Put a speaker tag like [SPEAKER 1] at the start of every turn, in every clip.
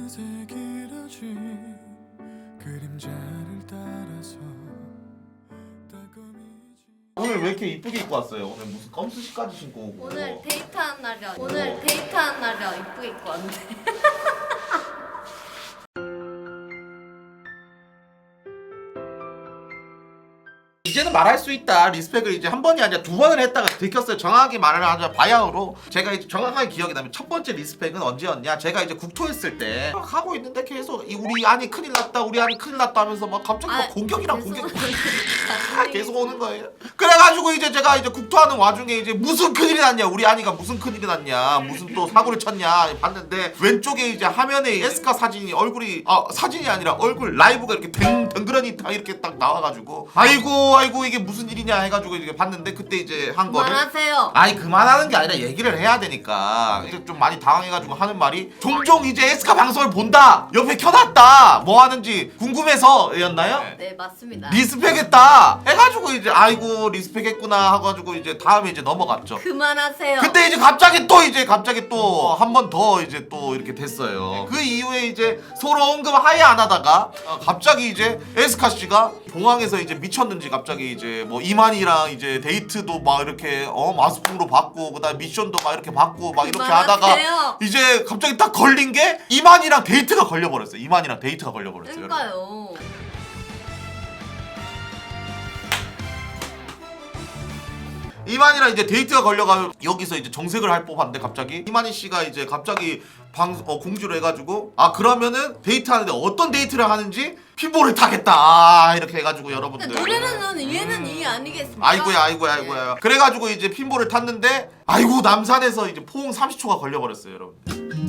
[SPEAKER 1] 어느새 길어진 그림자를 따라서
[SPEAKER 2] 오늘 왜 이렇게 이쁘게 입고 왔어요? 오늘 무슨 껌스시까지 신고 오고.
[SPEAKER 3] 오늘 데이트한 날이야. 오늘 데이트한 날이야. 이쁘게 입고 왔는데.
[SPEAKER 2] 이제는 말할 수 있다. 리스펙을 이제 한 번이 아니라 두 번을 했다가 들켰어요. 정확하게 말을 하자 바야흐로 제가 이제 정확하게 기억이 나면 첫 번째 리스펙은 언제였냐? 제가 이제 국토했을 때 막 하고 있는데 계속 우리 아니 큰일 났다, 우리 아니 큰일 났다 하면서 막 갑자기 막 공격이랑 공격 계속 오는 거예요. 그래가지고 이제 제가 이제 국토하는 와중에 이제 무슨 큰일이 났냐? 우리 아니가 무슨 큰일이 났냐? 무슨 또 사고를 쳤냐? 봤는데 왼쪽에 이제 화면에 에스카 사진이 얼굴이 사진이 아니라 얼굴 라이브가 이렇게 덩그러니 다 이렇게 딱 나와가지고 아이고 이게 무슨 일이냐 해가지고 이제 봤는데 그때 이제 한 거를
[SPEAKER 3] 그만하세요.
[SPEAKER 2] 아니 그만하는 게 아니라 얘기를 해야 되니까 이제 좀 많이 당황해가지고 하는 말이 종종 이제 에스카 방송을 본다 옆에 켜놨다 뭐 하는지 궁금해서였나요?
[SPEAKER 3] 네 맞습니다.
[SPEAKER 2] 리스펙했다 해가지고 이제 아이고 리스펙했구나 하가지고 이제 다음에 이제 넘어갔죠.
[SPEAKER 3] 그만하세요.
[SPEAKER 2] 근데 이제 갑자기 또 한 번 더 이제 또 이렇게 됐어요. 그 이후에 이제 서로 언급 하에 안 하다가 갑자기 이제 에스카 씨가 공항에서 이제 미쳤는지 갑자기 이제 뭐 이만희랑 이제 데이트도 막 이렇게 마스풍으로 받고 그다음 미션도 막 이렇게 받고 막 이렇게 하다가
[SPEAKER 3] 그만하세요.
[SPEAKER 2] 이제 갑자기 딱 걸린 게 이만희랑 데이트가 걸려버렸어요. 이만희랑 데이트가 걸려버렸어요.
[SPEAKER 3] 그러니까요.
[SPEAKER 2] 이만희랑 이제 데이트가 걸려가 여기서 이제 정색을 할 법한데 갑자기 이만희 씨가 이제 갑자기 공지를 해가지고 그러면은 데이트하는데 어떤 데이트를 하는지 핀볼을 타겠다 이렇게 해가지고 여러분들
[SPEAKER 3] 노래는 이해는 이해 아니겠습니까?
[SPEAKER 2] 아이고야 그래가지고 이제 핀볼을 탔는데 아이고 남산에서 이제 포옹 30초가 걸려버렸어요 여러분.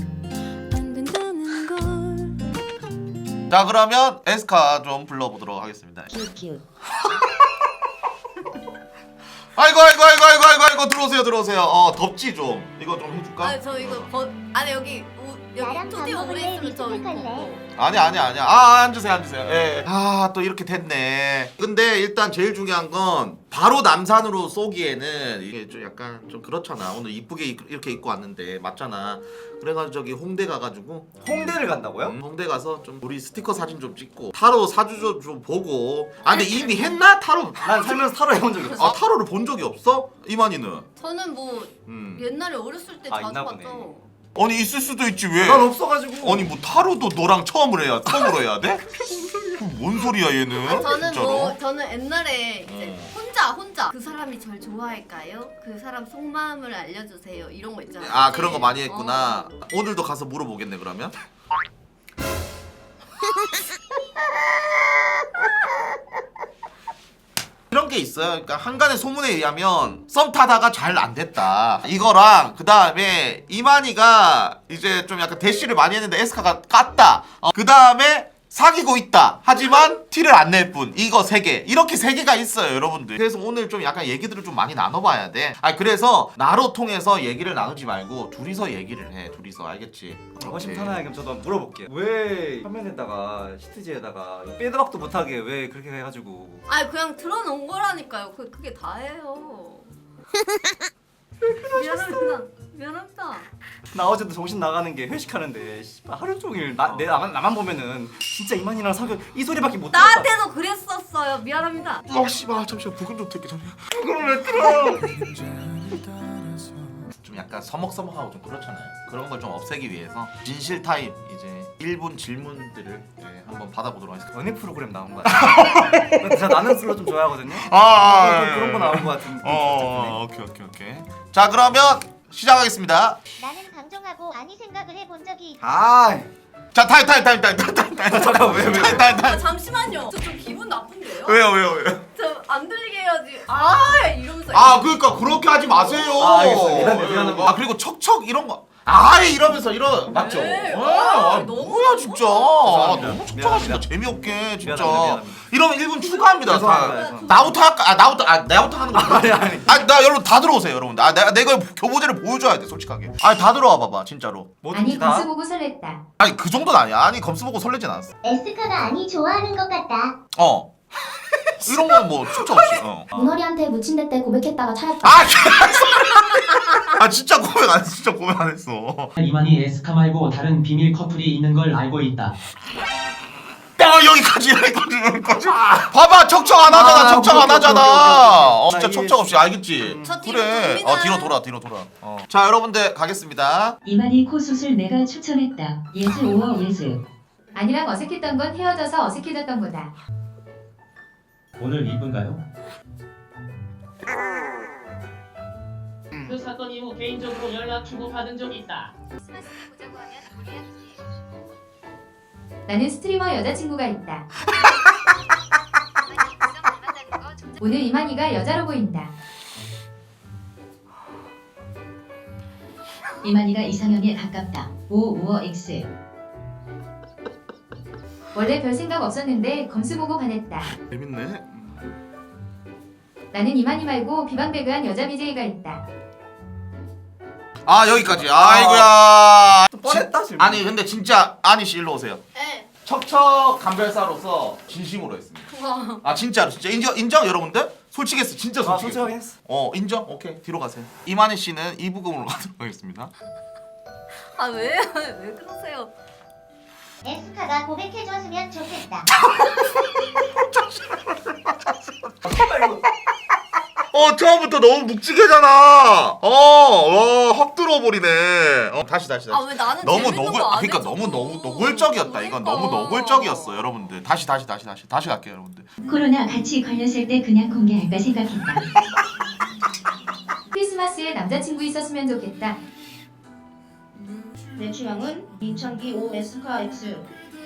[SPEAKER 2] 자 그러면 에스카 좀 불러보도록 하겠습니다. 아이고 들어오세요. 덥지 좀. 이거 좀 해줄까?
[SPEAKER 3] 아니 저 이거 아니 여기 스튜디오 오래 있으면 저 이거
[SPEAKER 2] 아니. 앉으세요. 예. 또 이렇게 됐네. 근데 일단 제일 중요한 건 바로 남산으로 쏘기에는 이게 좀 약간 좀 그렇잖아. 오늘 이쁘게 이렇게 입고 왔는데 맞잖아. 그래가지고 저기 홍대 가가지고
[SPEAKER 4] 홍대를 간다고요?
[SPEAKER 2] 홍대 가서 좀 우리 스티커 사진 좀 찍고 타로 사주 좀 보고. 근데 이미 했나 타로?
[SPEAKER 4] 난 살면서 타로 해본 적이 없어.
[SPEAKER 2] 타로를 본 적이 없어? 이만희는?
[SPEAKER 3] 저는 뭐 옛날에 어렸을 때 자주
[SPEAKER 4] 있나 보네.
[SPEAKER 3] 봤죠.
[SPEAKER 2] 아니 있을 수도 있지 왜?
[SPEAKER 4] 난 없어가지고.
[SPEAKER 2] 아니 뭐 타로도 너랑 처음으로 해야 돼? 뭔 소리야 얘는?
[SPEAKER 3] 저는
[SPEAKER 2] 진짜로?
[SPEAKER 3] 저는 옛날에 이제 혼자 그 사람이 절 좋아할까요? 그 사람 속마음을 알려주세요. 이런 거 있잖아요.
[SPEAKER 2] 그런 거 많이 했구나. 오늘도 가서 물어보겠네 그러면. 이런 게 있어요. 그러니까 한간의 소문에 의하면 썸 타다가 잘 안 됐다. 이거랑 그 다음에 이만희가 이제 좀 약간 대시를 많이 했는데 에스카가 깠다. 그 다음에 사귀고 있다. 하지만 티를 안 낼 뿐. 이거 3개. 이렇게 3개가 있어요, 여러분들. 그래서 오늘 좀 약간 얘기들을 좀 많이 나눠봐야 돼. 그래서 나로 통해서 얘기를 나누지 말고 둘이서 얘기를 해. 둘이서 알겠지?
[SPEAKER 4] 허심탄회하게 그럼 저도 한번 물어볼게요. 왜 화면에다가 시트지에다가 빼드박도 못하게 왜 그렇게 해가지고?
[SPEAKER 3] 아니 그냥 틀어놓은 거라니까요. 그게 다예요. 미안합니다.
[SPEAKER 4] 나 어제도 정신 나가는 게 회식하는데 씨발 하루 종일 나만 보면은 진짜 이만희랑 사귀어 이 소리밖에 못 들었다.
[SPEAKER 3] 나한테도 그랬었어요. 미안합니다.
[SPEAKER 2] 씨발 잠시만 부금 좀 틀게 잠시만. 부금을 왜 틀어? 좀 약간 서먹서먹하고 좀 그렇잖아요. 그런 걸 좀 없애기 위해서 진실 타임 이제 1분 질문들을 이제 한번 받아보도록 하겠습니다.
[SPEAKER 4] 연애 프로그램 나온 거 같아. 제가 나는 슬로 좀 좋아하거든요. 그런 거 나온 거 같은.
[SPEAKER 2] 오케이. 자 그러면 시작하겠습니다.
[SPEAKER 5] 나는 방종하고 아니 생각을 해본 적이 있어.
[SPEAKER 2] 자 타임.
[SPEAKER 4] 잠깐 왜?
[SPEAKER 3] 잠시만요. 저 좀 기분 나쁜데요?
[SPEAKER 2] 왜요?
[SPEAKER 3] 저 안 들리게 해야지. 이러면서.
[SPEAKER 2] 그러니까 그렇게 하지 마세요.
[SPEAKER 4] 알겠어요. 미안합니다.
[SPEAKER 2] 그리고 척척 이런 거. 이러면서 맞죠?
[SPEAKER 3] 네. 너무
[SPEAKER 2] 뭐야 진짜.
[SPEAKER 4] 죄송합니다.
[SPEAKER 2] 너무 척척하신다. 재미없게 진짜.
[SPEAKER 4] 미안합니다.
[SPEAKER 2] 이러면 1분 추가합니다.
[SPEAKER 4] 죄송합니다.
[SPEAKER 2] 나부터 할까? 나부터 하는 거.
[SPEAKER 4] 아니.
[SPEAKER 2] 나 여러분 다 들어오세요, 여러분. 내가 이거 교보제를 보여줘야 돼, 솔직하게. 다 들어와 봐봐, 진짜로.
[SPEAKER 4] 뭐든지 다.
[SPEAKER 5] 보고 설렜다.
[SPEAKER 2] 그 정도는 아니야. 검수 보고 설레진 않았어.
[SPEAKER 5] 에스카가 아니 좋아하는 것 같다.
[SPEAKER 2] 이런 건 뭐 축적 없이.
[SPEAKER 6] 문어리한테 묻힌대 때 고백했다가 차였다.
[SPEAKER 2] 아 진짜 고백 안 했어. 진짜 고백 안 했어.
[SPEAKER 7] 이만희 에스카 말고 다른 비밀 커플이 있는 걸 알고 있다.
[SPEAKER 2] 여기까지. 봐봐 척척 안 하잖아. 척척 안 하잖아. 진짜
[SPEAKER 4] 나
[SPEAKER 2] 척척 없이 알겠지.
[SPEAKER 3] 저 뒤로
[SPEAKER 2] 그래.
[SPEAKER 3] 돕니다.
[SPEAKER 2] 뒤로 돌아. 자 여러분들 가겠습니다.
[SPEAKER 8] 이만희 코 수술 내가 추천했다. 예스 오어 예스.
[SPEAKER 9] 아니랑 어색했던 건 헤어져서 어색해졌던 거다.
[SPEAKER 7] 오늘 이분가요?
[SPEAKER 10] 그 사건 이후 개인적으로 연락 주고받은 적이 있다.
[SPEAKER 9] 나는 스트리머 여자친구가 있다. 오늘 이만희가 여자로 보인다.
[SPEAKER 8] 이만희가 이상형에 가깝다. 오 오어 X.
[SPEAKER 9] 원래 별 생각 없었는데 검수 보고 반했다.
[SPEAKER 2] 재밌네.
[SPEAKER 9] 나는 이만희 말고 비방배그한 여자 BJ가 있다.
[SPEAKER 2] 아 여기까지. 아이고야.
[SPEAKER 4] 뻔했다 지금.
[SPEAKER 2] 아니 근데 진짜 아니 씨 일로 오세요.
[SPEAKER 3] 네.
[SPEAKER 2] 척척 감별사로서 진심으로 했습니다.
[SPEAKER 3] 와.
[SPEAKER 2] 아 진짜로 진짜 인정 여러분들? 솔직했어 진짜 솔직했어.
[SPEAKER 4] 솔직하게 했어.
[SPEAKER 2] 인정? 오케이 뒤로 가세요. 이만희 씨는 이 부금으로 가도록 하겠습니다.
[SPEAKER 3] 아 왜 그러세요?
[SPEAKER 5] 에스카가 고백해줬으면 좋겠다.
[SPEAKER 2] 처음부터 너무 묵직해잖아. 확 들어버리네. 다시.
[SPEAKER 3] 아 왜 나는
[SPEAKER 2] 너무
[SPEAKER 3] 재밌는
[SPEAKER 2] 노골,
[SPEAKER 3] 거안
[SPEAKER 2] 그러니까
[SPEAKER 3] 해줘?
[SPEAKER 2] 너무 노골적이었다. 이건 너무
[SPEAKER 3] 그러니까.
[SPEAKER 2] 노골적이었어, 여러분들. 다시 갈게요, 여러분들.
[SPEAKER 8] 코로나 같이 걸렸을 때 그냥 공개할까 생각했다.
[SPEAKER 9] 크리스마스에 남자친구 있었으면 좋겠다.
[SPEAKER 6] 내 취향은 인천기 O 에스카 X.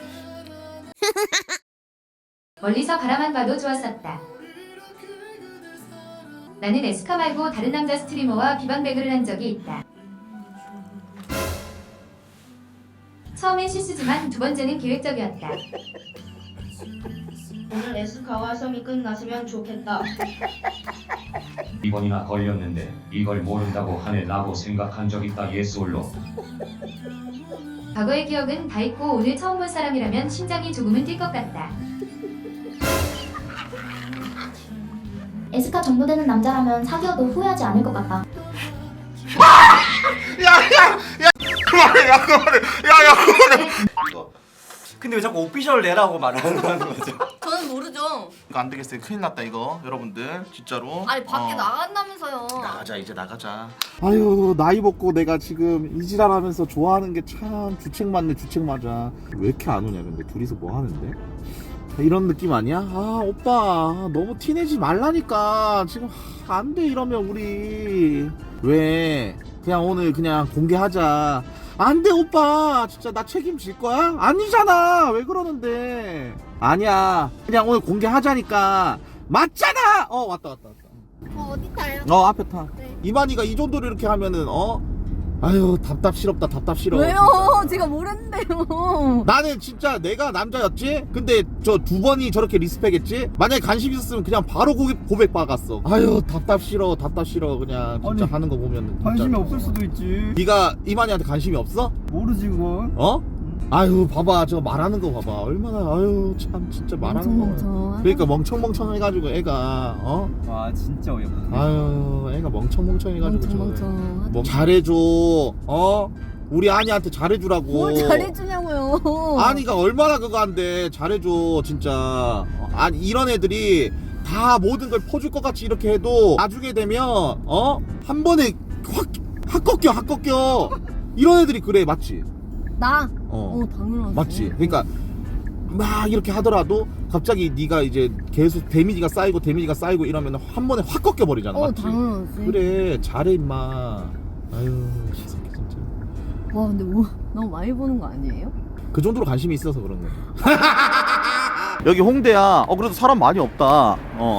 [SPEAKER 9] 멀리서 바라만 봐도 좋았었다. 나는 에스카 말고 다른 남자 스트리머와 비방배그를 한 적이 있다. 처음엔 실수지만 두 번째는 계획적이었다.
[SPEAKER 6] 오늘 에스카와 썸이 끝났으면 좋겠다.
[SPEAKER 7] 이번이나 걸렸는데 이걸 모른다고 하네라고 생각한 적 있다. 예스 올로.
[SPEAKER 9] 과거의 기억은 다 있고 오늘 처음 본 사람이라면 심장이 조금은 뛸 것 같다.
[SPEAKER 6] 에스카 정도 되는 남자라면 사귀어도 후회하지 않을 것 같다.
[SPEAKER 2] 그만해.
[SPEAKER 4] 근데 왜 자꾸 오피셜 내라고 말하는 거죠?
[SPEAKER 3] 저는 모르죠.
[SPEAKER 2] 이거 안 되겠어요. 큰일 났다 이거, 여러분들 진짜로.
[SPEAKER 3] 아니 밖에 나간다면서요.
[SPEAKER 2] 나가자, 이제 나가자. 아유 나이 먹고 내가 지금 이지랄하면서 좋아하는 게 참 주책 맞네, 주책 맞아. 왜 이렇게 안 오냐 근데 둘이서 뭐 하는데? 이런 느낌 아니야? 아 오빠 너무 티내지 말라니까. 지금 안 돼 이러면 우리. 왜 그냥 오늘 그냥 공개하자. 안 돼 오빠, 진짜 나 책임질 거야? 아니잖아. 왜 그러는데? 아니야, 그냥 오늘 공개하자니까. 맞잖아. 왔다.
[SPEAKER 3] 어디 타요?
[SPEAKER 2] 앞에 타.
[SPEAKER 3] 네.
[SPEAKER 2] 이만희가 이 정도로 이렇게 하면은 아유 답답스럽다. 답답스러워.
[SPEAKER 3] 왜요? 제가 모르는데요.
[SPEAKER 2] 나는 진짜 내가 남자였지? 근데 저 두 번이 저렇게 리스펙했지? 만약에 관심 있었으면 그냥 바로 고백 박았어. 아유 답답 싫어 그냥 진짜. 아니, 하는 거 보면
[SPEAKER 11] 관심이 없을 수도 있지.
[SPEAKER 2] 네가 이만희한테 관심이 없어?
[SPEAKER 11] 모르지 그건.
[SPEAKER 2] 아유 봐봐 저 말하는 거 봐봐 얼마나. 아유 참 진짜 말하는 거. 그러니까 멍청멍청 해가지고 애가
[SPEAKER 11] 와 진짜 어이없다.
[SPEAKER 2] 아유 애가 멍청멍청 해가지고 뭐 잘해줘. 우리 아니한테 잘해주라고.
[SPEAKER 3] 뭘 잘해주냐고요.
[SPEAKER 2] 아니가 얼마나 그거 한데 잘해줘 진짜. 아니 이런 애들이 다 모든 걸 퍼줄 것 같이 이렇게 해도 나중에 되면 한 번에 확 꺾여. 이런 애들이 그래. 맞지?
[SPEAKER 3] 나?
[SPEAKER 2] 당연하지. 맞지? 그러니까 막 이렇게 하더라도 갑자기 네가 이제 계속 데미지가 쌓이고 이러면 한 번에 확 꺾여 버리잖아. 맞지?
[SPEAKER 3] 당연하지.
[SPEAKER 2] 그래 잘해 임마. 아유 이 새끼 진짜.
[SPEAKER 3] 와 근데 뭐 너무 많이 보는 거 아니에요?
[SPEAKER 2] 그 정도로 관심이 있어서 그런 거야. 여기 홍대야. 그래도 사람 많이 없다.
[SPEAKER 3] 아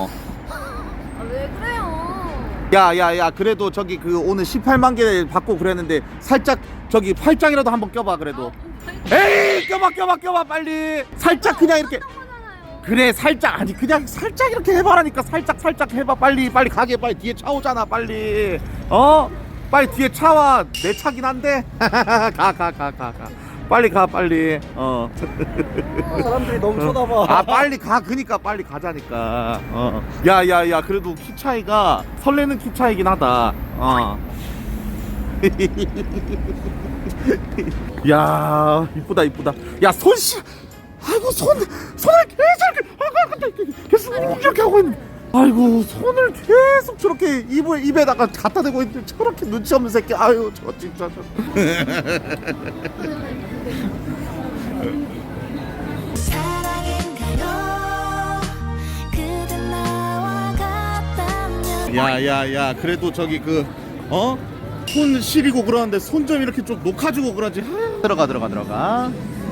[SPEAKER 3] 왜 그래요?
[SPEAKER 2] 야야야 그래도 저기 그 오늘 18만 개 받고 그랬는데 살짝 저기 팔짱이라도 한번 껴봐 그래도. 에이 껴봐 빨리. 살짝 그냥 이렇게. 그래 살짝. 아니 그냥 살짝 이렇게 해봐라니까. 살짝 해봐. 빨리 가게. 빨리 뒤에 차 오잖아 빨리. 빨리 뒤에 차 와. 내 차긴 한데. 가. 빨리 가 빨리.
[SPEAKER 11] 사람들이 너무 쳐다봐.
[SPEAKER 2] 아 빨리 가. 그니까 빨리 가자니까. 야야야 그래도 키 차이가 설레는 키 차이긴 하다. 야 이쁘다 이쁘다. 야 손씨. 아이고 손을 계속 이렇게 하고 있는. 아이고 손을 계속 저렇게 입에다가 갖다 대고 있는데 저렇게 눈치 없는 새끼. 아유 저 진짜 저. 야야야 그래도 저기 손 시리고 그러는데 손 좀 이렇게 좀 녹아주고 그러지. 들어가.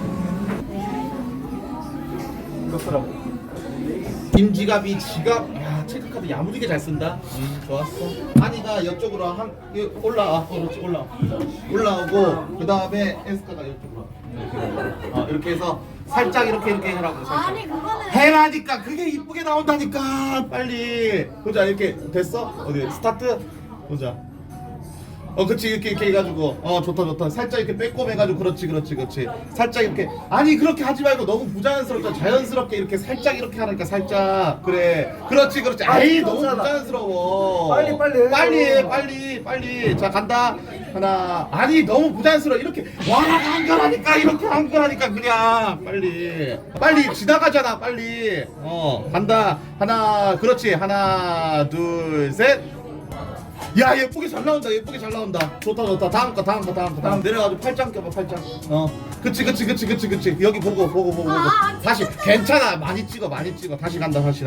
[SPEAKER 2] 김지갑이 지갑. 야 체크카드 야무지게 잘 쓴다. 좋았어. 한이가 이쪽으로 올라와. 그렇지 올라오고 그 다음에 에스카가 이쪽으로. 이렇게 해서 살짝 이렇게 해라고. 살짝.
[SPEAKER 3] 아니 그거는
[SPEAKER 2] 해라니까 그게 이쁘게 나온다니까. 빨리 보자. 이렇게 됐어? 어디 스타트 보자. 그치 이렇게 해가지고 좋다. 살짝 이렇게 빼꼼 해가지고 그렇지. 살짝 이렇게. 아니 그렇게 하지 말고 너무 부자연스럽잖아. 자연스럽게 이렇게 살짝 이렇게 하니까 살짝. 그래 그렇지. 아이 너무 부자연스러워. 빨리. 자 간다. 하나. 아니 너무 부자연스러워. 이렇게 한 거라니까. 이렇게 한 거라니까. 그냥 빨리 지나가잖아. 빨리. 간다. 하나. 그렇지. 하나 둘 셋. 야 예쁘게 잘 나온다. 좋다. 다음 거 내려가지고 팔짱 껴봐. 팔짱. 그치 여기 보고 다시. 괜찮아. 많이 찍어. 다시 간다. 다시.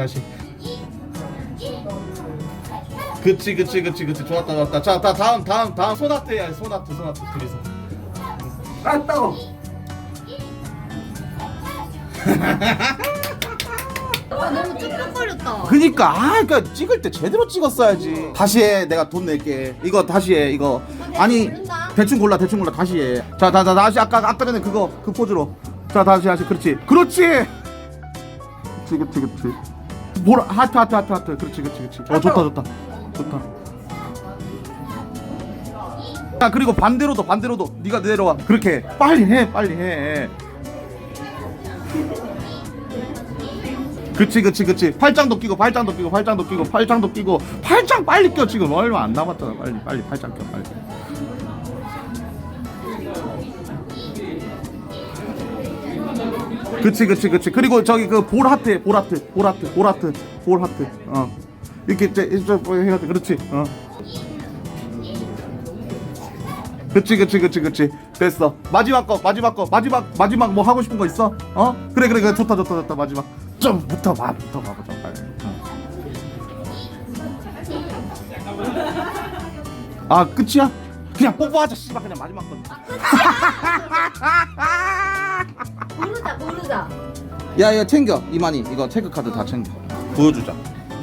[SPEAKER 2] 그치 좋았다. 자 다음 소나트 해야 돼. 소나트 둘이서.
[SPEAKER 11] 따고.
[SPEAKER 3] 너무 쭈뼛거렸다.
[SPEAKER 2] 그러니까 찍을 때 제대로 찍었어야지. 다시 해. 내가 돈 낼게. 이거 다시 해. 이거 아니 대충 골라 다시 해. 자 다시 아까 전에 그 포즈로. 자 다시 그렇지. 그렇지. 뭐라 하트. 그렇지. 좋다. 자 그리고 반대로도 네가 내려와. 그렇게 빨리 해. 그치 팔짱도 끼고 팔짱 빨리 껴. 지금 얼마 안 남았잖아. 빨리 팔짱 껴 빨리. 그치 그리고 저기 그 볼 하트 이렇게 해가지고 그렇지. 그치 됐어. 마지막 뭐 하고 싶은 거 있어? 그래 좋다. 마지막 좀 붙어봐 좀 빨리. 끝이야? 그냥 뽀뽀하자. 씨발 그냥 마지막 건.
[SPEAKER 3] 모르자.
[SPEAKER 2] 야 챙겨. 이만희 이거 체크카드 다 챙겨. 보여주자.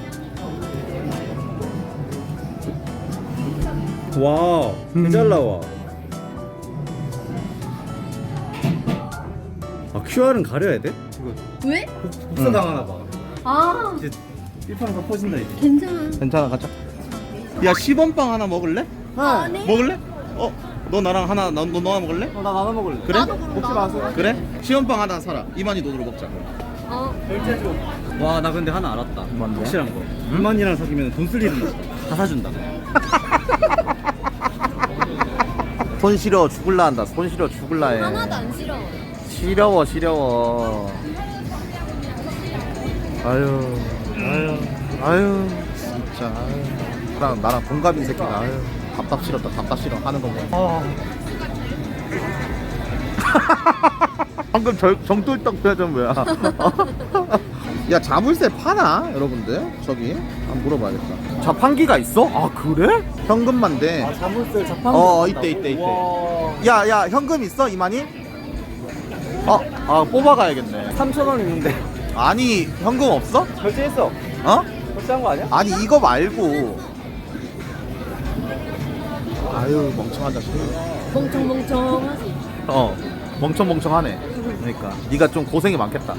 [SPEAKER 11] 와, 잘 나와. QR은 가려야 돼? 이거
[SPEAKER 3] 왜?
[SPEAKER 11] 복사 당하나 봐. 이제 1판가 퍼진다 이제.
[SPEAKER 2] 괜찮아 가자. 야 10원빵 하나 먹을래?
[SPEAKER 3] 아니.
[SPEAKER 2] 먹을래? 너 나랑 하나 너 하나 먹을래?
[SPEAKER 11] 나 나눠 먹을래.
[SPEAKER 2] 그래?
[SPEAKER 11] 먹지 마세요.
[SPEAKER 2] 그래? 10원빵 하나 사라. 이만희 돈으로 먹자.
[SPEAKER 11] 결제해줘. 와, 나 근데 하나 알았다.
[SPEAKER 2] 뭔데?
[SPEAKER 11] 확실한 거. 이만이랑 사귀면 돈 쓸 일은 없어. 다 사준다.
[SPEAKER 2] 손 시려 죽을라 한다. 해.
[SPEAKER 3] 하나도 안 싫어.
[SPEAKER 2] 시려워. 아유 진짜. 나랑 동갑인 새끼가 답답 싫어 하는 거 보면. 방금 정돌떡 표정 뭐야? 야 자물쇠 파나 여러분들? 저기 한번 물어봐야겠다. 자판기가 있어? 그래? 현금만 돼.
[SPEAKER 11] 자물쇠 자판기.
[SPEAKER 2] 이때. 야 현금 있어 이만희? 뽑아가야겠네.
[SPEAKER 11] 3,000원 있는데.
[SPEAKER 2] 아니 현금 없어?
[SPEAKER 11] 결제했어. 결제한 거 아니야?
[SPEAKER 2] 아니 이거 말고. 아유 멍청한 자식.
[SPEAKER 3] 멍청하지.
[SPEAKER 2] 멍청하네. 그러니까 네가 좀 고생이 많겠다.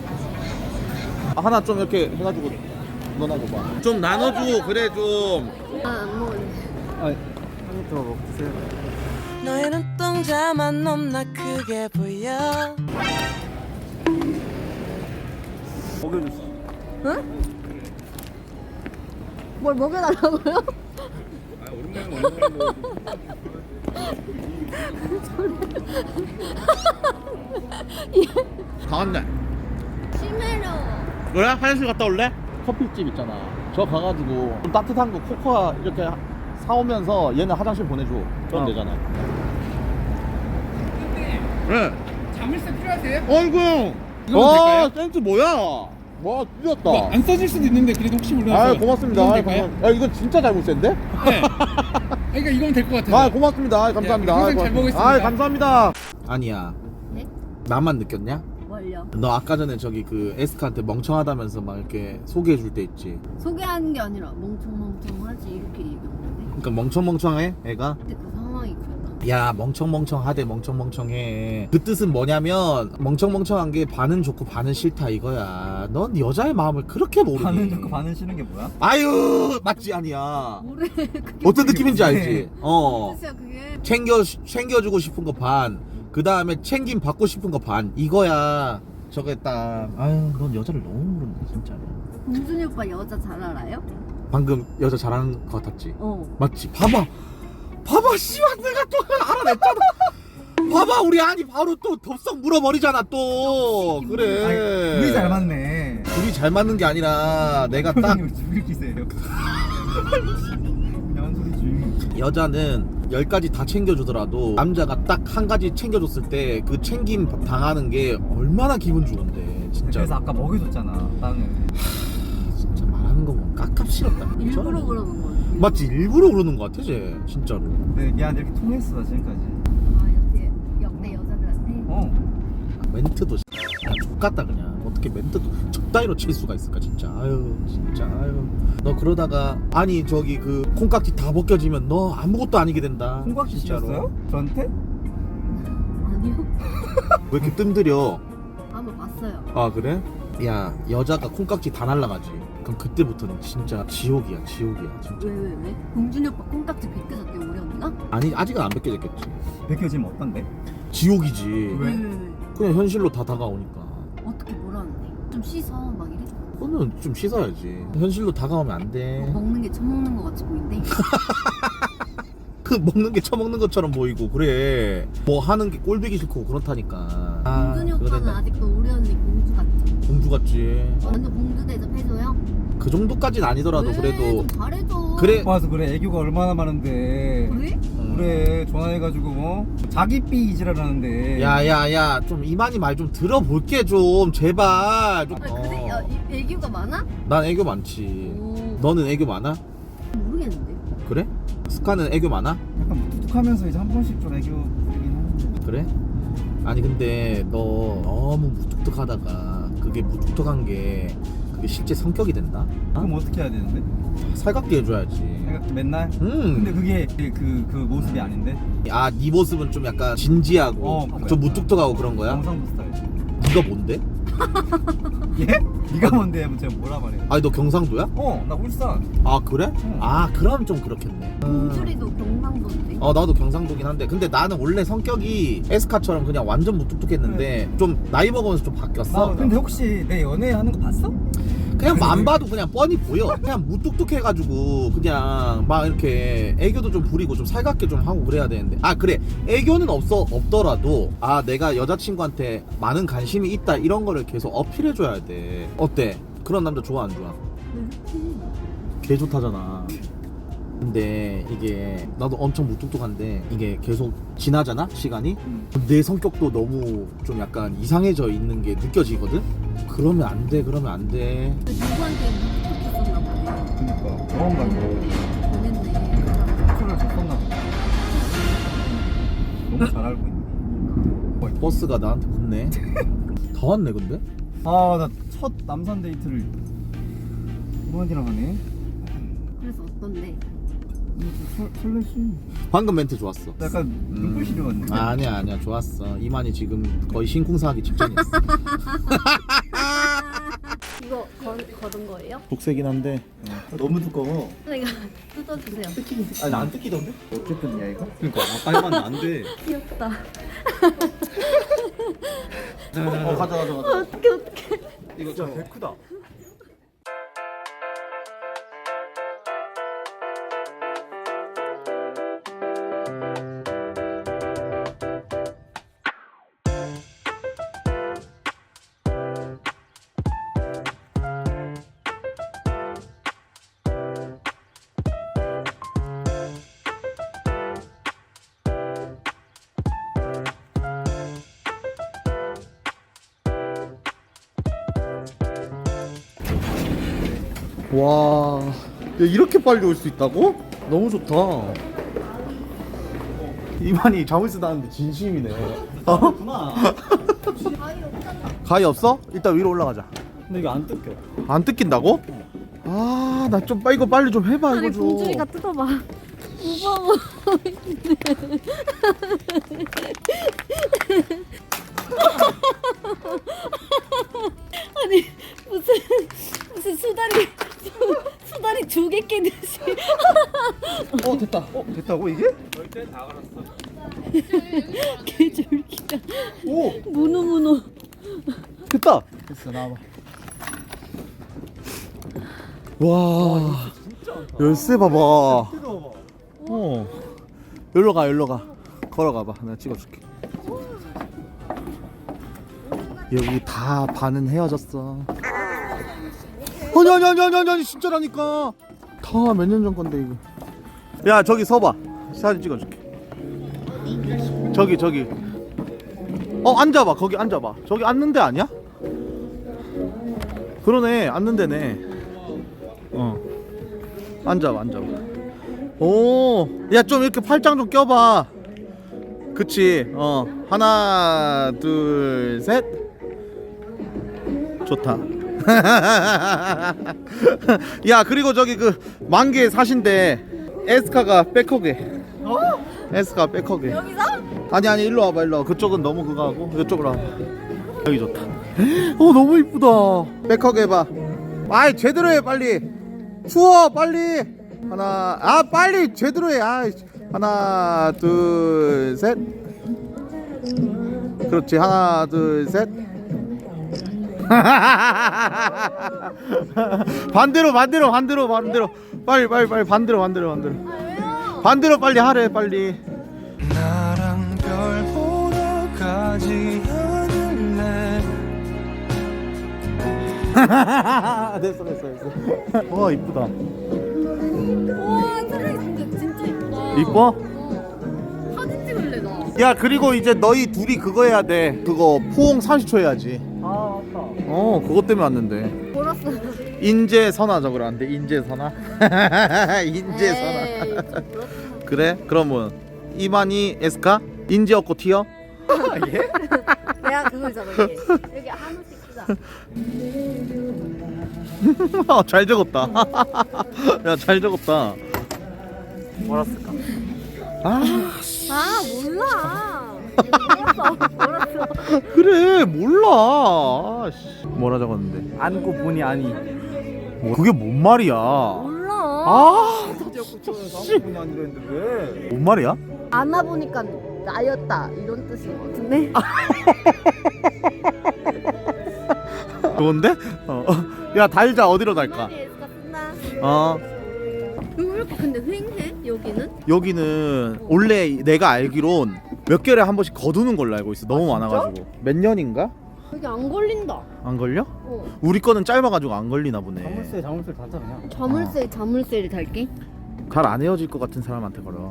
[SPEAKER 2] 하나 좀 이렇게 해가지고 넣어놔 봐. 좀 나눠줘. 그래 좀.
[SPEAKER 3] 안 먹을래.
[SPEAKER 11] 한입 더 먹으세요.
[SPEAKER 1] 너의 눈동자만 넘나 크게 보여.
[SPEAKER 11] 먹여줬어.
[SPEAKER 3] 응? 뭘 먹여달라고요?
[SPEAKER 11] 아 오랜만에 먹는 거.
[SPEAKER 2] 강한데
[SPEAKER 3] 심해로.
[SPEAKER 2] 그래? 화장실 갔다 올래?
[SPEAKER 11] 커피집 있잖아. 저 가가지고 좀 따뜻한 거 코코아 이렇게 사오면서 얘는 화장실 보내줘. 그럼 되잖아.
[SPEAKER 2] 그래.
[SPEAKER 1] 자물쇠 필요하세요?
[SPEAKER 2] 어이구.
[SPEAKER 1] 이거면 될까요?
[SPEAKER 11] 센스 뭐야? 와 찢었다.
[SPEAKER 1] 뭐 안 써질 수도 있는데 그래도 혹시 몰라서.
[SPEAKER 11] 아 고맙습니다.
[SPEAKER 1] 이거면
[SPEAKER 11] 아,
[SPEAKER 1] 될까요?
[SPEAKER 11] 야 이건 진짜 잘못센데?
[SPEAKER 1] 네. 그러니까 이거면 될 것 같아요.
[SPEAKER 11] 아 고맙습니다. 아, 감사합니다.
[SPEAKER 1] 네,
[SPEAKER 11] 아,
[SPEAKER 1] 평생 잘
[SPEAKER 11] 고맙습니다.
[SPEAKER 1] 먹겠습니다.
[SPEAKER 11] 아 감사합니다. 아니야.
[SPEAKER 3] 네?
[SPEAKER 11] 나만 느꼈냐?
[SPEAKER 3] 뭘요?
[SPEAKER 11] 너 아까 전에 저기 그 에스카한테 멍청하다면서 막 이렇게 소개해줄 때 있지.
[SPEAKER 3] 소개하는 게 아니라 멍청멍청하지 이렇게 얘기했는데.
[SPEAKER 11] 그러니까 멍청멍청해 애가.
[SPEAKER 3] 근데 그 상황이 그랬다.
[SPEAKER 11] 야 멍청멍청하대 멍청멍청해. 그 뜻은 뭐냐면 멍청멍청한 게 반은 좋고 반은 싫다 이거야. 넌 여자의 마음을 그렇게 모르니.
[SPEAKER 4] 반은 좋고 반은 싫은 게 뭐야?
[SPEAKER 11] 아유 맞지 아니야.
[SPEAKER 3] 뭐래? 그게
[SPEAKER 11] 어떤 느낌인지 알지?
[SPEAKER 3] 진짜 그게.
[SPEAKER 11] 챙겨주고 싶은 거 반. 그 다음에 챙김 받고 싶은 거 반. 이거야. 저게 딱. 아유 넌 여자를 너무 모른다 진짜로.
[SPEAKER 3] 공준이 오빠 여자 잘 알아요?
[SPEAKER 11] 방금 여자 잘하는 거 같았지?
[SPEAKER 3] 어.
[SPEAKER 11] 맞지? 봐봐 씨발 내가 또 알아냈잖아. 봐봐 우리 아니 바로 또 덥석 물어버리잖아 또. 그래.
[SPEAKER 4] 둘이 잘 맞네.
[SPEAKER 11] 둘이 잘 맞는 게 아니라 내가 딱
[SPEAKER 4] 표정이 죽일 기세요. 야한 소리지.
[SPEAKER 11] 여자는 10가지 다 챙겨주더라도 남자가 딱 한 가지 챙겨줬을 때 그 챙김 당하는 게 얼마나 기분 좋은데 진짜.
[SPEAKER 4] 그래서 아까 먹여줬잖아 땅을.
[SPEAKER 11] 진짜 말하는 거 보면 깝깝스럽다.
[SPEAKER 3] 일부러 그러는 거지.
[SPEAKER 11] 맞지? 일부러 그러는 거 같아 쟤 진짜로.
[SPEAKER 4] 네 미안 이렇게 통했어 지금까지.
[SPEAKER 3] 아 역대 여자들한테.
[SPEAKER 11] 멘트도 X같다 그냥. 어떻게 멘트도 적당히로 칠 수가 있을까 진짜. 아유 진짜 아유. 너 그러다가 아니 저기 그 콩깍지 다 벗겨지면 너 아무것도 아니게 된다.
[SPEAKER 4] 콩깍지
[SPEAKER 11] 진짜로.
[SPEAKER 4] 씌웠어요? 저한테?
[SPEAKER 3] 아니요.
[SPEAKER 11] 왜 이렇게 뜸들여?
[SPEAKER 3] 한번 봤어요.
[SPEAKER 11] 아 그래? 야 여자가 콩깍지 다 날라가지. 그럼 그때부터는 진짜 지옥이야 지옥이야 진짜.
[SPEAKER 3] 왜? 공준이 오빠 콩깍지 벗겨졌대 우리 언니가?
[SPEAKER 11] 아니 아직은 안 벗겨졌겠지.
[SPEAKER 4] 벗겨지면 어떤데?
[SPEAKER 11] 지옥이지.
[SPEAKER 4] 왜?
[SPEAKER 11] 그냥 현실로 다 다가오니까.
[SPEAKER 3] 어떻게 뭐라는데? 좀 씻어 막 이래?
[SPEAKER 11] 그거는 좀 씻어야지. 현실로 다가오면 안 돼.
[SPEAKER 3] 먹는 게 처먹는 거 같이 보인대.
[SPEAKER 11] 그 먹는 게 처먹는 것처럼 보이고 그래. 뭐 하는 게 꼴보기 싫고 그렇다니까.
[SPEAKER 3] 공준이
[SPEAKER 11] 그거
[SPEAKER 3] 오빠는
[SPEAKER 11] 된다.
[SPEAKER 3] 아직도 우리 언니 공주 같지?
[SPEAKER 11] 공주 같지.
[SPEAKER 3] 완전 공주 대접해줘요?
[SPEAKER 11] 그 정도까지는 아니더라도
[SPEAKER 3] 왜?
[SPEAKER 11] 그래도
[SPEAKER 3] 좀 잘해줘.
[SPEAKER 11] 그래.
[SPEAKER 4] 와서 그래 애교가 얼마나 많은데.
[SPEAKER 3] 그래?
[SPEAKER 4] 그래 전화해가지고 뭐 자기 삐 이지랄하는데.
[SPEAKER 11] 야야야 좀 이만희 말 좀 들어볼게 좀 제발 좀.
[SPEAKER 3] 아니, 그래? 야, 애교가 많아?
[SPEAKER 11] 난 애교 많지.
[SPEAKER 3] 오.
[SPEAKER 11] 너는 애교 많아?
[SPEAKER 3] 모르겠는데.
[SPEAKER 11] 그래? 스카는 애교 많아?
[SPEAKER 4] 약간 무뚝뚝하면서 이제 한 번씩 좀 애교 부리긴 하는데.
[SPEAKER 11] 그래? 아니 근데 너 너무 무뚝뚝하다가 그게 무뚝뚝한 게 그게 실제 성격이 된다?
[SPEAKER 4] 그럼 어떻게 해야 되는데?
[SPEAKER 11] 살갑게 해줘야지.
[SPEAKER 4] 내가 맨날? 근데 그게 그 모습이 아닌데?
[SPEAKER 11] 아, 네 모습은 좀 약간 진지하고
[SPEAKER 4] 그래.
[SPEAKER 11] 좀 무뚝뚝하고 그런 거야?
[SPEAKER 4] 경상도 스타일.
[SPEAKER 11] 네가 뭔데?
[SPEAKER 4] 예? 네가 뭔데 하면 제가 뭐라 말해?
[SPEAKER 11] 아니 너 경상도야?
[SPEAKER 4] 나 울산.
[SPEAKER 11] 아 그래?
[SPEAKER 4] 응.
[SPEAKER 11] 아 그럼 좀 그렇겠네.
[SPEAKER 3] 공주리도 경상도인데.
[SPEAKER 11] 나도 경상도긴 한데 근데 나는 원래 성격이 에스카처럼 그냥 완전 무뚝뚝했는데 좀 나이 먹으면서 좀 바뀌었어.
[SPEAKER 4] 근데 혹시 내 연애하는 거 봤어?
[SPEAKER 11] 그냥 뭐안 봐도 그냥 뻔히 보여. 그냥 무뚝뚝해가지고 그냥 막 이렇게 애교도 좀 부리고 좀 살갑게 좀 하고 그래야 되는데. 아 그래 애교는 없더라도 아 내가 여자친구한테 많은 관심이 있다 이런 거를 계속 어필해줘야 돼. 어때? 그런 남자 좋아 안 좋아? 개 좋다잖아. 근데 이게 나도 엄청 무뚝뚝한데 이게 계속 지나잖아 시간이. 내 성격도 너무 좀 약간 이상해져 있는 게 느껴지거든. 그러면 안 돼.
[SPEAKER 3] 누구한테 무뚝뚝했었나 보네.
[SPEAKER 4] 그니까 그런가 이거.
[SPEAKER 3] 보냈네.
[SPEAKER 4] 표를 줬었나 보다. 너무 잘 알고 있네.
[SPEAKER 11] 버스가 나한테 붙네. 다 왔네 근데.
[SPEAKER 4] 나 첫 남산 데이트를 이만이랑 하네.
[SPEAKER 3] 그래서 어떤데?
[SPEAKER 11] 설렜어. 방금 멘트 좋았어.
[SPEAKER 4] 약간 눈빛이 들어갔네.
[SPEAKER 11] 아니야 좋았어. 이만희 지금 거의 심쿵사하기 직전이었어.
[SPEAKER 3] 이거 거둔 거예요?
[SPEAKER 11] 독세긴 한데
[SPEAKER 4] 너무 두꺼워.
[SPEAKER 3] 이거 뜯어주세요.
[SPEAKER 4] 아니 나 안 뜯기던데?
[SPEAKER 11] 어쨌든 야 이거.
[SPEAKER 4] 그러니까 아까 해봤는데 안 돼.
[SPEAKER 3] 귀엽다.
[SPEAKER 11] 가자.
[SPEAKER 3] 어떡해.
[SPEAKER 4] 이거 진짜 개 크다.
[SPEAKER 11] 와, 야, 이렇게 빨리 올 수 있다고? 너무 좋다. 이만희 잠을 쓰다는데 진심이네.
[SPEAKER 4] 그렇구나.
[SPEAKER 11] 가위 없어? 일단 위로 올라가자.
[SPEAKER 4] 근데 이거 안 뜯겨.
[SPEAKER 11] 안 뜯긴다고? 아, 나 좀 이거 빨리 좀 해봐.
[SPEAKER 3] 아니
[SPEAKER 11] 이거 좀.
[SPEAKER 3] 공주리가 뜯어봐. 무서워. 아니 무슨 수다리 조개 깨듯이.
[SPEAKER 11] 됐다.
[SPEAKER 4] 됐다고 이게?
[SPEAKER 3] 개쫄기다.
[SPEAKER 11] 오,
[SPEAKER 3] 문어.
[SPEAKER 11] 됐다. 됐어, 나와봐. 와, 열쇠 봐봐. 여기로 가. 걸어가봐. 내가 찍어줄게. 여기 다 반은 헤어졌어. 아니 진짜라니까. 다 몇 년 전 건데 이거. 야 저기 서봐. 사진 찍어줄게. 저기. 앉아봐. 거기 앉아봐. 저기 앉는 데 아니야? 그러네. 앉는 데네. 앉아봐. 오, 야 좀 이렇게 팔짱 좀 껴봐. 그치. 하나 둘 셋. 좋다. 야 그리고 저기 그 만개 사신데 에스카가 백허게. 에스카 백허게.
[SPEAKER 3] 여기서?
[SPEAKER 11] 아니 일로 와봐. 그쪽은 너무 그거 하고 이쪽으로 와봐. 여기 좋다. 너무 이쁘다. 백허게 해봐. 아이 제대로 해 빨리. 추워 빨리. 빨리 제대로 해. 하나 둘 셋. 그렇지. 하나 둘 셋. 반대로 빨리 반대로 반대로 빨리 하래 빨리.
[SPEAKER 1] 나랑 별 보러 가지 않을래.
[SPEAKER 11] 됐어. 와 이쁘다.
[SPEAKER 3] 와 사랑이 진짜 이쁘다.
[SPEAKER 11] 이뻐?
[SPEAKER 3] 사진 찍을래 나.
[SPEAKER 11] 야 그리고 이제 너희 둘이 그거 해야 돼. 그거 포옹 30초 해야지.
[SPEAKER 4] 아 맞다.
[SPEAKER 11] 그것 때문에 왔는데.
[SPEAKER 3] 몰랐어.
[SPEAKER 11] 인재선화 적으러 안 돼? 인재선화. 그래? 그러면 이만희 에스카 인재 없고 튀어?
[SPEAKER 4] 예?
[SPEAKER 3] 내가 그거잖아. 여기 한우씩 쓰자.
[SPEAKER 11] 잘 적었다. 야 잘 적었다.
[SPEAKER 4] 뭐랬을까?
[SPEAKER 3] 몰라. 몰랐어.
[SPEAKER 11] 그래 몰라. 뭐라 적었는데?
[SPEAKER 4] 안고 보니 아니.
[SPEAKER 11] 그게 뭔 말이야?
[SPEAKER 3] 몰라.
[SPEAKER 11] 진짜
[SPEAKER 4] 보니 아니 이랬는데 왜?
[SPEAKER 11] 뭔 말이야?
[SPEAKER 3] 안아보니까 나였다 이런 뜻인 것 같은데.
[SPEAKER 11] 좋은데? 야 달자. 어디로 달까?
[SPEAKER 3] 에스카 쓴다. 왜 이렇게 근데 휑해 여기는?
[SPEAKER 11] 여기는 원래 내가 알기론 몇 개월에 한 번씩 거두는 걸로 알고 있어. 너무 많아가지고. 몇 년인가?
[SPEAKER 3] 여기 안 걸린다.
[SPEAKER 11] 안 걸려? 우리 거는 짧아가지고 안 걸리나 보네.
[SPEAKER 4] 자물쇠 달자 그냥.
[SPEAKER 3] 자물쇠를 달게.
[SPEAKER 11] 잘 안 헤어질 것 같은 사람한테 걸어.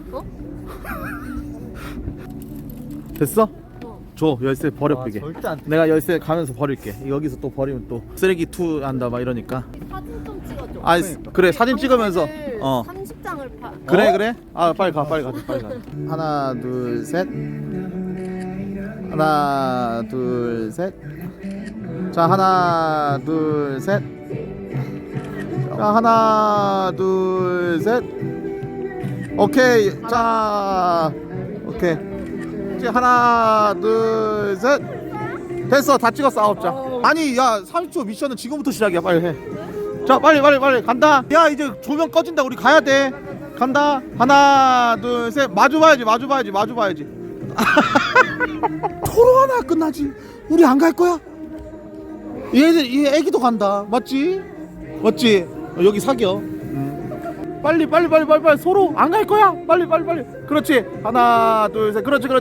[SPEAKER 11] 됐어? 줘. 열쇠 버려 삐게.
[SPEAKER 4] 절대 안.
[SPEAKER 11] 내가 열쇠 가면서 버릴게. 여기서 또 버리면 또 쓰레기 투 한다 막 이러니까.
[SPEAKER 3] 사진 좀 찍어줘.
[SPEAKER 11] 그래 사진 찍으면서
[SPEAKER 3] 30장을 파.
[SPEAKER 11] 그래. 빨리 가. 하나 둘 셋. 하나 둘 셋. 자 하나 둘 셋. 자 하나 둘 셋. 오케이. 자, 오케이. 이제 하나, 둘, 셋. 됐어. 다 찍었어. 9장. 아니, 야, 30초 미션은 지금부터 시작이야. 빨리 해. 자, 빨리 간다. 야, 이제 조명 꺼진다. 우리 가야 돼. 간다. 하나, 둘, 셋. 마주 봐야지. 토로 하나 끝나지. 우리 안 갈 거야? 얘 애기도 간다. 맞지? 여기 사겨. 빨리 서로 안 갈 거야. 빨리. 그렇지. 하나, 둘, 셋. 그렇지.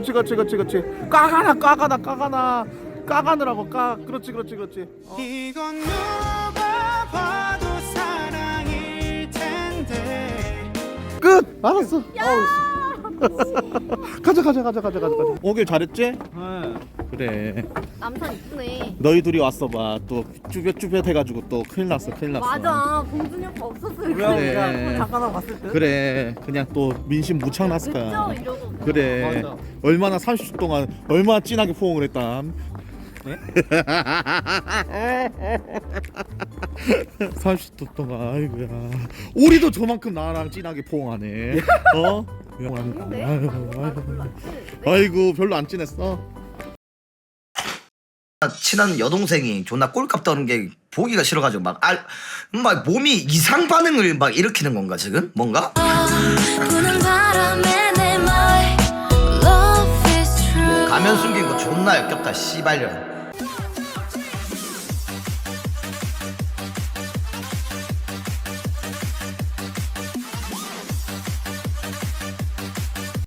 [SPEAKER 11] 까가느라고. 그렇지.
[SPEAKER 1] 이건 누가 봐도 사랑일 텐데.
[SPEAKER 11] 끝. 알았어. 가자. 오길 잘했지? 그래.
[SPEAKER 3] 남산 이쁘네.
[SPEAKER 11] 너희 둘이 왔어 봐. 또 쭈뼛 해가지고 또 큰일 났어.
[SPEAKER 3] 맞아. 봉준이 오빠 없었어요.
[SPEAKER 11] 그래.
[SPEAKER 1] 잠깐만 봤을 때.
[SPEAKER 11] 그래. 그냥 또 민심 무창 났을 거야.
[SPEAKER 3] 그쵸? 이러고.
[SPEAKER 11] 그래.
[SPEAKER 1] 맞아.
[SPEAKER 11] 얼마나 30초 동안 얼마나 진하게 포옹을 했다.
[SPEAKER 4] 네?
[SPEAKER 11] 30초 동안 아이고야. 우리도 저만큼 나랑 진하게 포옹하네. 어? 아이고 별로 안 진했어.
[SPEAKER 12] 친한 여동생이 존나 꼴값 떠는 게 보기가 싫어가지고 막 몸이 이상 반응을 막 일으키는 건가 지금? 뭔가? 가면 숨긴 거 존나 역겹다 씨발년.